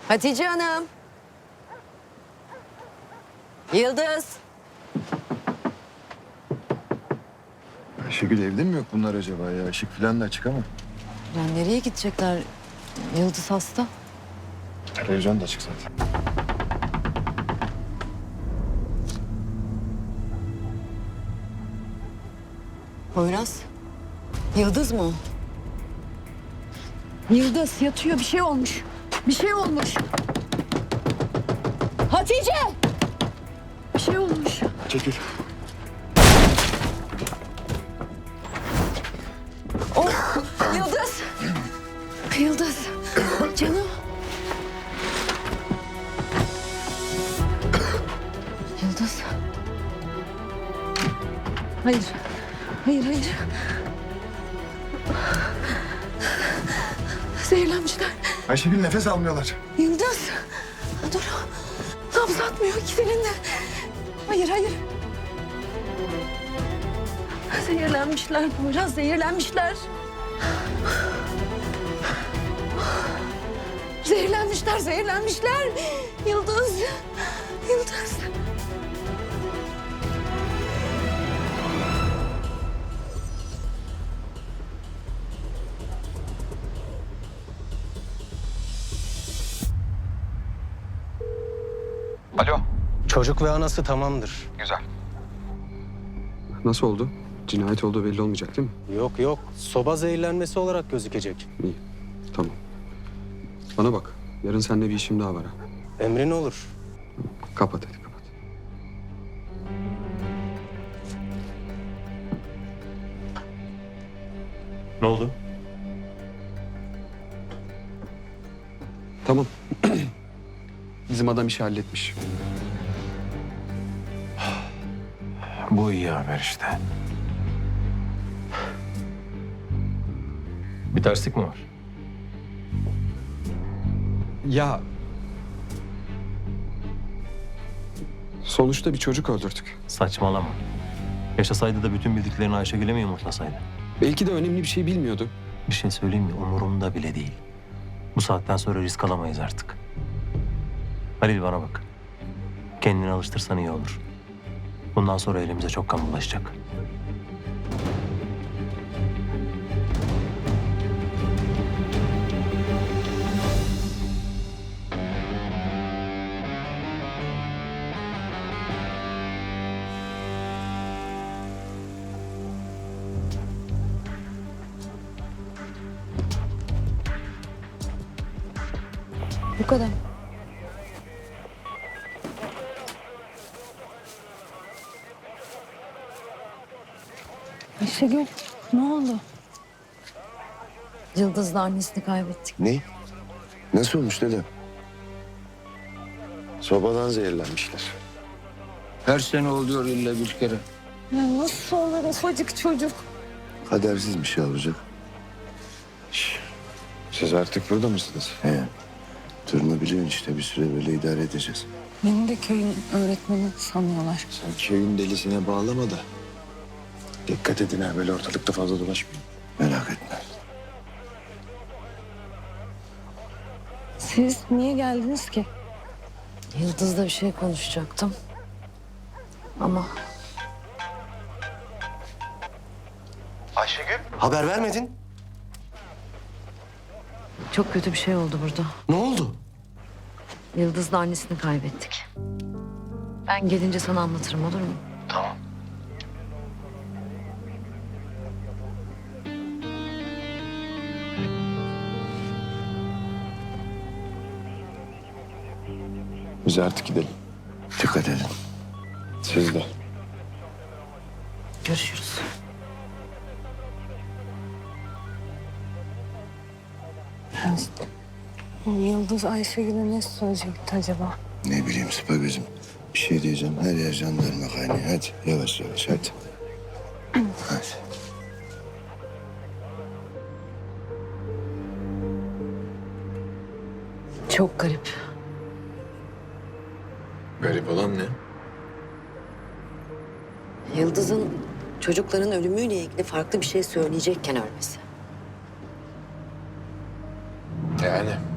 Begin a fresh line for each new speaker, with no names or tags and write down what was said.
Hatice Hanım. Yıldız.
Ayşegül evde mi yok bunlar acaba ya? Işık falan da açık ama.
Ya nereye gidecekler? Yıldız hasta.
Televizyon da açık zaten.
Poyraz. Yıldız mı o? Yıldız yatıyor, bir şey olmuş. Bir şey olmuş. Hatice! Bir şey olmuş.
Çekil.
Oh! Yıldız! Yıldız! Canım! Yıldız! Hayır. Hayır, hayır. Zehirlenmişler.
Ayşegül nefes almıyorlar.
Yıldız! Dur. Nabız atmıyor ikisinin de. Hayır, hayır. Zehirlenmişler Poyraz, zehirlenmişler. Zehirlenmişler, zehirlenmişler. Yıldız, Yıldız.
Alo.
Çocuk ve anası tamamdır.
Güzel.
Nasıl oldu? Cinayet olduğu belli olmayacak değil mi?
Yok yok, soba zehirlenmesi olarak gözükecek.
İyi, tamam. Bana bak, yarın seninle bir işim daha var ha.
Emrin olur.
Kapat hadi, kapat.
Ne oldu?
Tamam. Bizim adam işi halletmiş.
Bu iyi haber işte.
Bir terslik mi var?
Ya... Sonuçta bir çocuk öldürdük.
Saçmalama. Yaşasaydı da bütün bildiklerini Ayşegül'e mi yumurtlasaydı?
Belki de önemli bir şey bilmiyordu.
Bir şey söyleyeyim mi? Umurumda bile değil. Bu saatten sonra risk alamayız artık. Halil bana bak. Kendini alıştırsan iyi olur. Bundan sonra elimize çok kan bulaşacak.
Bu kadar. Ayşegül, ne oldu? Yıldız'la annesini kaybettik.
Ne? Nasıl olmuş dedem? Sobadan zehirlenmişler.
Her sene oluyor illa bir kere.
Ya nasıl olur ufacık çocuk?
Kadersiz bir şey olacak. Siz artık burada mısınız? He. Durumu biliyorsun işte, bir süre böyle idare edeceğiz.
Beni de köyün öğretmeni sanıyorlar.
Sen köyün delisine bağlama da. Dikkat edin ha, böyle ortalıkta fazla dolaşmayın. Merak etme.
Siz niye geldiniz ki? Yıldız'la bir şey konuşacaktım. Ama
Ayşegül.
Haber vermedin.
çok kötü bir şey oldu burada.
Ne oldu?
Yıldız'la annesini kaybettik. Ben gelince sana anlatırım, olur mu?
Tamam.
Biz artık gidelim. Dikkat edin. Siz de.
Görüşürüz. Yıldız Ayşegül'e ne söyleyecekti acaba?
Ne bileyim Sıpa gözüm. Bir şey diyeceğim. Her yer jandarma kaynıyor. Hadi yavaş yavaş hadi. Hadi.
Çok garip.
Garip olan ne?
Yıldız'ın çocukların ölümüyle ilgili farklı bir şey söyleyecekken ölmesi.
Yani